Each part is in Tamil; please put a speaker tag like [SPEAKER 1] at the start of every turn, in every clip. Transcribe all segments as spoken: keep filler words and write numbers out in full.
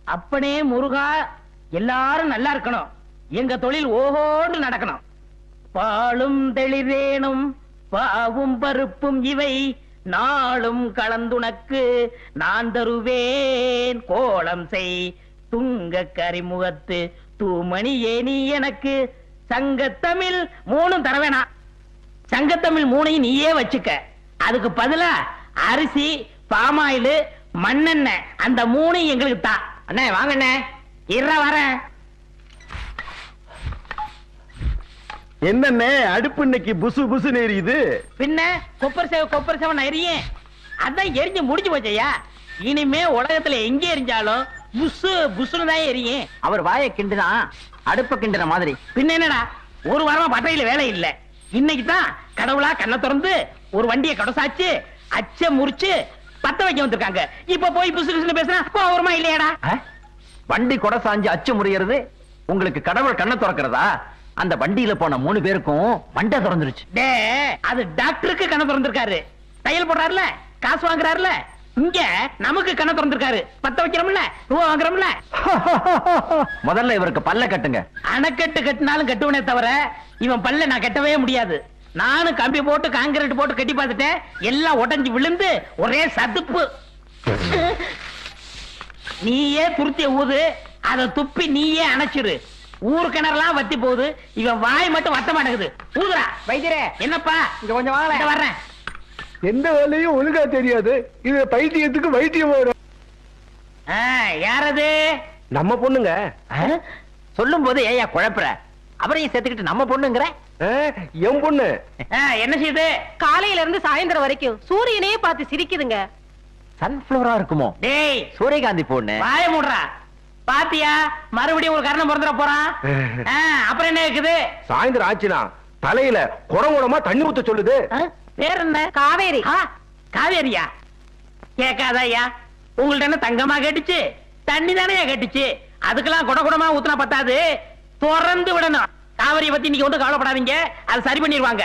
[SPEAKER 1] அப்பனே முருகா, எல்லாரும் நல்லா இருக்கணும். எங்க தொழில் ஓஹோன்னு நடக்கணும். பாலும் தெளிவேனும் பாவும் பருப்பும் இவை நாளும் கலந்துனக்கு நான் தருவேன். கோலம் செய் துங்க கரிமுகத்து தூமணி ஏனி எனக்கு. சங்கத்தமிழ் மூணும் தரவேணா. சங்கத்தமிழ் மூணையும் நீயே வச்சுக்க. அதுக்கு பதிலா அரிசி, பாமாயில், மண்ணெண்ணெய் அந்த மூணையும் எங்களுக்கு தான். அண்ணே வாங்கண்ணே. இற வரேன்.
[SPEAKER 2] என்னண்ணே அடுப்பு இன்னைக்கு புசு புசு எரியுது?
[SPEAKER 1] பின்ன கொப்பர் சேவ கொப்பர் சேவன் எரியும். அதான் எரிஞ்சு முடிஞ்சு போச்சையா. இனிமே உலகத்துல எங்க எரிஞ்சாலும் புசு புசுன்னு தான் எரியும்.
[SPEAKER 3] அவர் வாயை கிண்டுனா அடுப்ப கிண்டுற மாதிரி.
[SPEAKER 1] பின்ன என்னடா, ஒரு வாரமா பட்டையில வேலை இல்ல. இன்னைக்கு தான் கடவுளா கண்ணை திறந்து ஒரு வண்டியை கடசாச்சு அச்ச முறிச்சு பத்த வைக்க வந்திருக்காங்க. இப்ப போய் புசு புசுன்னு பேசுனா கோவமா இல்லையாடா?
[SPEAKER 3] வண்டி கொடை சாஞ்சு அச்சு முறியறது உங்களுக்கு கடவுள் கண்ணை திறக்கிறதா? அந்த வண்டியில போன மூணு பேருக்கும் மண்டை திறந்துருச்சு.
[SPEAKER 1] டே, அது டாக்டருக்கு கண்ணை திறந்திருக்காரு. தையல் போடுறாருல, காசு வாங்குறாருல. இங்க நமக்கு கண்ணை திறந்திருக்காரு. பத்த வைக்கிறோம்ல, ரூபா வாங்குறோம்ல.
[SPEAKER 3] முதல்ல இவருக்கு பல்ல கட்டுங்க.
[SPEAKER 1] அணைக்கட்டு கட்டினாலும் கட்டுவனே தவிர இவன் பல்ல நான் கட்டவே முடியாது. நானும் கம்பி போட்டு காங்கிரீட் போட்டு கட்டி பார்த்துட்டேன். எல்லாம் உடைஞ்சு விழுந்து ஒரே சதுப்பு. நீயே துருத்திய ஊது, அதை துப்பி நீயே அணைச்சிரு. ஊரு கிணறுலாம் வத்தி போகுது. இவன் வாய் மட்டும் வத்த மாட்டேங்குது. ஊதுரா.
[SPEAKER 3] வைத்தியரே,
[SPEAKER 1] என்னப்பா?
[SPEAKER 3] இங்க கொஞ்சம் வாங்க.
[SPEAKER 1] வர்றேன்.
[SPEAKER 2] எந்த வேலையும் ஒழுங்கா தெரியாது. இது பைத்தியத்துக்கு வைத்தியம் வரும்.
[SPEAKER 1] யாரது?
[SPEAKER 2] நம்ம பொண்ணுங்க.
[SPEAKER 3] சொல்லும் போது ஏயா குழப்புற? அவரையும் சேர்த்துக்கிட்டு நம்ம பொண்ணுங்கிற?
[SPEAKER 2] என் பொண்ணு.
[SPEAKER 1] என்ன செய்யுது?
[SPEAKER 4] காலையில இருந்து சாயந்தரம் வரைக்கும் சூரியனையே பார்த்து சிரிக்குதுங்க.
[SPEAKER 3] சன்ஃபிளவரா இருக்குமோ?
[SPEAKER 1] டேய்,
[SPEAKER 3] சூரியகாந்தி பொண்ணு.
[SPEAKER 1] வாய மூடுறா. பாத்தியா, மறுபடியும் ஒரு கரணம் பிறந்துட போறான். அப்புறம் என்ன இருக்குது?
[SPEAKER 2] சாயந்தரம் ஆச்சுனா தலையில குடங்குடமா தண்ணி ஊத்த சொல்லுது.
[SPEAKER 1] பேர் என்ன?
[SPEAKER 4] காவேரி.
[SPEAKER 1] காவேரியா? கேட்காதயா. உங்கள்ட்ட என்ன தங்கமா கேட்டுச்சு? தண்ணி தானே கேட்டுச்சு. அதுக்கெல்லாம் குட குடமா ஊத்துனா பத்தாது, திறந்து விடணும். காவிரியை பத்தி நீங்க ஒன்றும் கவலைப்படாதீங்க, அது சரி பண்ணிடுவாங்க.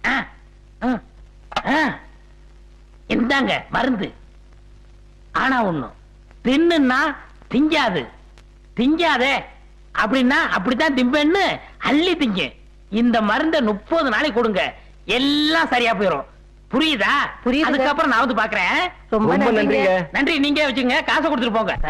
[SPEAKER 1] இந்தாங்க மருந்து. ஆனா ஒண்ணும், தின்னுன்னா திங்காது. திங்காதே அப்படின்னா அப்படித்தான் திம்பேன்னு அள்ளி திங்க. இந்த மருந்தை முப்பது நாளைக்கு கொடுங்க, எல்லாம் சரியா போயிடும். புரியுதா?
[SPEAKER 4] புரியுது.
[SPEAKER 1] அதுக்கப்புறம் நான் வந்து பாக்குறேன்.
[SPEAKER 2] ரொம்ப நன்றிங்க.
[SPEAKER 1] நன்றி. நீங்க வச்சுங்க, காசை கொடுத்துட்டு போங்க.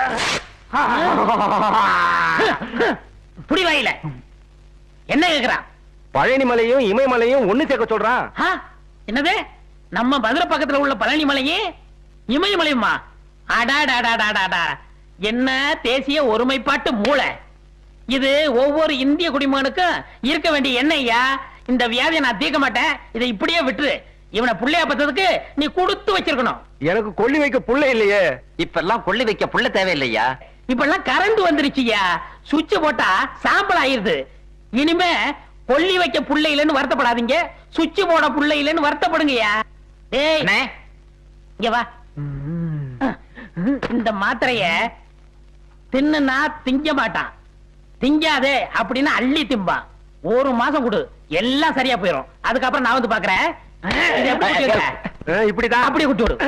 [SPEAKER 1] புடி வாயில என்ன கேக்குறான்?
[SPEAKER 2] பழனி மலையும் இமயமலையும் ஒண்ணு சேர்க்க சொல்றான்.
[SPEAKER 1] என்னது? நம்ம மதுரை பக்கத்துல உள்ள பழனி மலையும் இமயமலையுமா? அடாடாடாடாடா, என்ன தேசிய ஒருமைப்பாட்டு மூளை இது! ஒவ்வொரு இந்திய குடிமகனுக்கும் இருக்க வேண்டிய எண்ணெய்யா. இந்த வியாதியை நான் தீர்க்க மாட்டேன். இதை இப்படியே விட்டுரு. இவனை புள்ளைய பத்ததுக்கு நீ கொடுத்து வச்சிருக்கணும்.
[SPEAKER 2] எனக்கு கொள்ளி வைக்க புள்ள இல்லையே.
[SPEAKER 3] இப்ப எல்லாம் கொள்ளி வைக்க புள்ள தேவையில்லையா?
[SPEAKER 1] இப்ப எல்லாம் கரண்ட் வந்துருச்சுயா. சுவிட்ச் போட்டா சாம்பல் ஆயிருது. இனிமே கொள்ளி வைக்க புள்ள இல்லைன்னு வருத்தப்படாதீங்க, சுவிட்ச் போட புள்ள இல்லைன்னு வருத்தப்படுங்கய்யா. ஏய், இங்க வா. இந்த மாத்திரைய தின்னுனா திங்க மாட்டான். திங்காதே அப்படின்னா அள்ளி திம்பான். ஒரு மாசம் கொடு, எல்லாம் சரியா போயிடும். அதுக்கப்புறம் நான் வந்து பாக்குறேன்.
[SPEAKER 2] இப்படிதான்
[SPEAKER 1] அப்படி விட்டு விடு.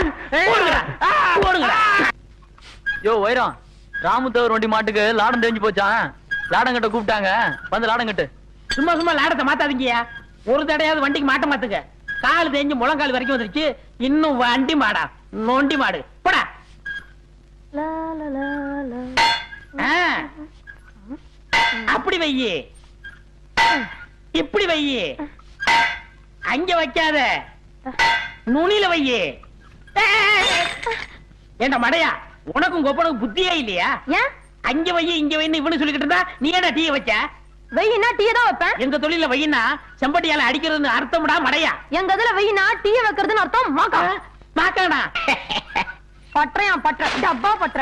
[SPEAKER 5] யோ வைரம், ராமுத்தவர் வண்டி மாட்டுக்கு லாடம் தெரிஞ்சு போச்சான். லாடம் கட்ட கூப்பிட்டாங்க, வந்து லாடம் கட்டு.
[SPEAKER 1] சும்மா சும்மா லாடத்தை மாத்தாதீங்கயா. ஒரு தடையாவது வண்டிக்கு மாட்ட மாத்துங்க. கால் தேஞ்சு முழங்கால் வரைக்கும் வந்துருச்சு. இன்னும் வண்டி மாடா, நொண்டி மாடு. போடா. அப்படி வையி, இப்படி வையி, அங்க வைக்காத, நுனில வையி. ஏண்டா மடையா, உனக்கும் கொப்பனுக்கு புத்தியே இல்லையா? அங்க வையி இங்க வைன்னு இவனு சொல்லிக்கிட்டு இருந்தா நீ ஏடா டீ வச்ச?
[SPEAKER 4] வெயினா டீ தான் வைப்பேன்.
[SPEAKER 1] எங்க தொழில வெயினா செம்பட்டியால அடிக்கிறதுன்னு அர்த்தம்டா மடையா.
[SPEAKER 4] எங்க இதுல வெயினா டீ வைக்கிறதுன்னு அர்த்தம். மாக்கா
[SPEAKER 1] மாக்காடா.
[SPEAKER 4] பற்றையா பற்ற டப்பா பற்ற